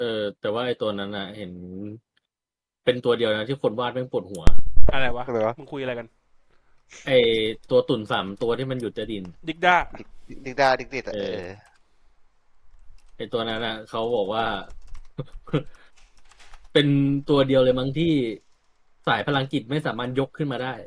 แต่ว่าไอ้ตัวนั้นน่ะเห็นเป็นตัวเดียวนะที่คนวาดแม่งปวดหัวอะไรวะทำไมวะมึงคุยอะไรกันไอ้ตัวตุ่น3 ตัวที่มันหยุดจะดินดิกด้าดิกดิกดาดิกดิดเอออะไอ้ตัวนั้นน่ะเขาบอกว่าเป็นตัวเดียวเลยมั้งที่สายพลังจิตไม่สามารถยกขึ้นมาได้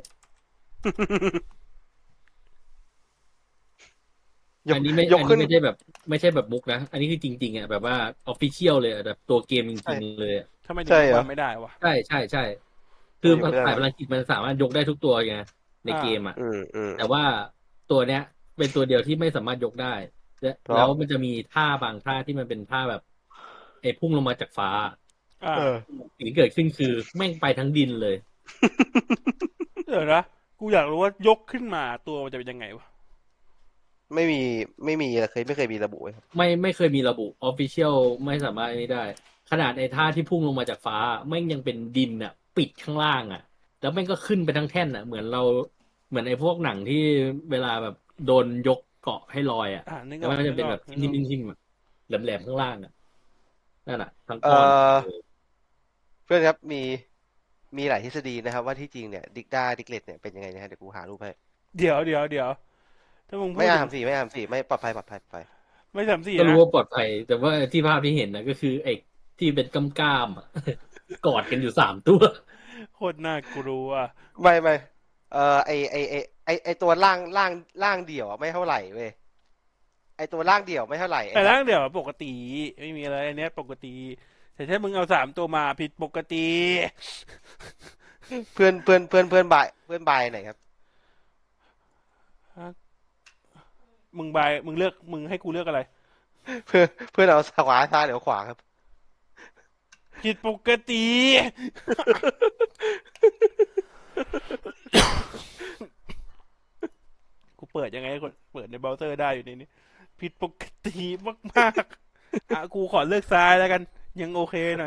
ยกอันนี้ยกขึ้นไม่ใช่แบบมุกนะอันนี้คือจริงๆอ่ะแบบว่าออฟฟิเชียลเลยอะแบบตัวเกมจใช่ริงๆเลยอะทำไมถึงใช่เหรอยกมาไม่ได้วะใช่คือทำไมยกไม่ได้วะสายพลังจิตมันสามารถยกได้ทุกตัวไงในอ่าเกมอ่ะอืมแต่ว่าตัวเนี้ยเป็นตัวเดียวที่ไม่สามารถยกได้เพราะแล้วมันจะมีท่าบางท่าที่มันเป็นท่าแบบไอ้พุ่งลงมาจากฟ้าอ่าเออสิ่งที่เกิดขึ้นคือแม่งไปทั้งดินเลยเดี๋ยวนะกูอยากรู้ว่ายกขึ้นมาตัวมันจะเป็นยังไงวะไม่มีไม่เคยมีระบุไว้ครับไม่เคยมีระบุออฟฟิเชียลไม่สามารถนี้ได้ขนาดไอ้ท่าที่พุ่งลงมาจากฟ้าแม่งยังเป็นดินอ่ะปิดข้างล่างอ่ะแล้วแม่งก็ขึ้นไปทั้งแท่นอ่ะเหมือนไอ้พวกหนังที่เวลาแบบโดนยกเกาะให้ลอยอ่ะนึกแล้วมันก็จะเป็นออกนึกอแบบทิ่อกนึกออกมๆๆแหลมๆข้างล่างอ่ะนั่นอ่ะทั้งเอ่ก้อนอเพื่อนครับมีหลายทฤษฎีนะครับว่าที่จริงเนี่ยดิกเลตเนี่ยเป็นยังไงนะฮะเดี๋ยวกูหารูปให้เดี๋ยวถ้ามึงพูดถึงไม่อาร์มสี่ไม่ปลอดภัยไม่สามสี่ก็รู้นะว่าปลอดภัยแต่ว่าที่ภาพที่เห็นนะก็คือไอ้ที่เป็นก้ามๆอะกอดกันอยู่3 ตัวโคตรน่ากลัวไม่ไอตัวล่างเดี่ยวอะไม่เท่าไหร่เว้ยไอตัวล่างเดี่ยวไม่เท่าไหร่ไอแบบแต่ร่างเดี๋ยวปกติไม่มีอะไรอันเนี้ยปกติแต่ถ้ามึงเอา3 ตัวมาผิดปกติเพื่อนบายไหนครับมึงเลือกมึงให้กูเลือกอะไรเพื่อนเอาขวาซ้ายหรือขวาครับผิดปกติกูเปิดยังไงก็เปิดในเบราว์เซอร์ได้อยู่ในนี้ผิดปกติมากๆกูขอเลือกซ้ายแล้วกันยังโอเคหน่อย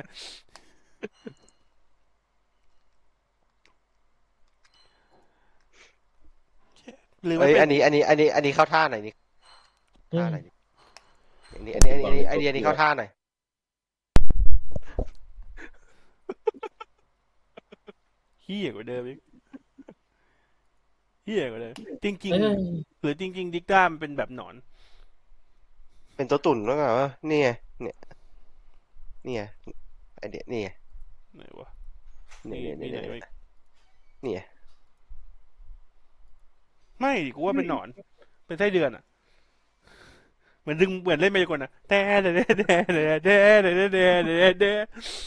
หรือเอ้มันเป็นยอันนี้เข้าท่าหน่อยนี่อืมท่าหน่อยนี่อันนี้เข้าท่าหน่อยเฮี้ยกว่าเดิมอีกเฮี้ยกว่าเดิมจริเอ้งยๆหรือจริงๆดิกด้ามันเป็นแบบหนอนเป็นตัวตุ่นแล้วไงวะนี่ไงเนี่ยนี่ไงไอเดียนี่ไงไหนวะเนี่ยมีเนี่ยเนี่ยเนี่ยมีไหนวะนี่ไงไม่ดิกูว่าเป็นหนอนเป็นไส้เดือนอ่ะเหมือนเล่นมายากลอ่ะแต่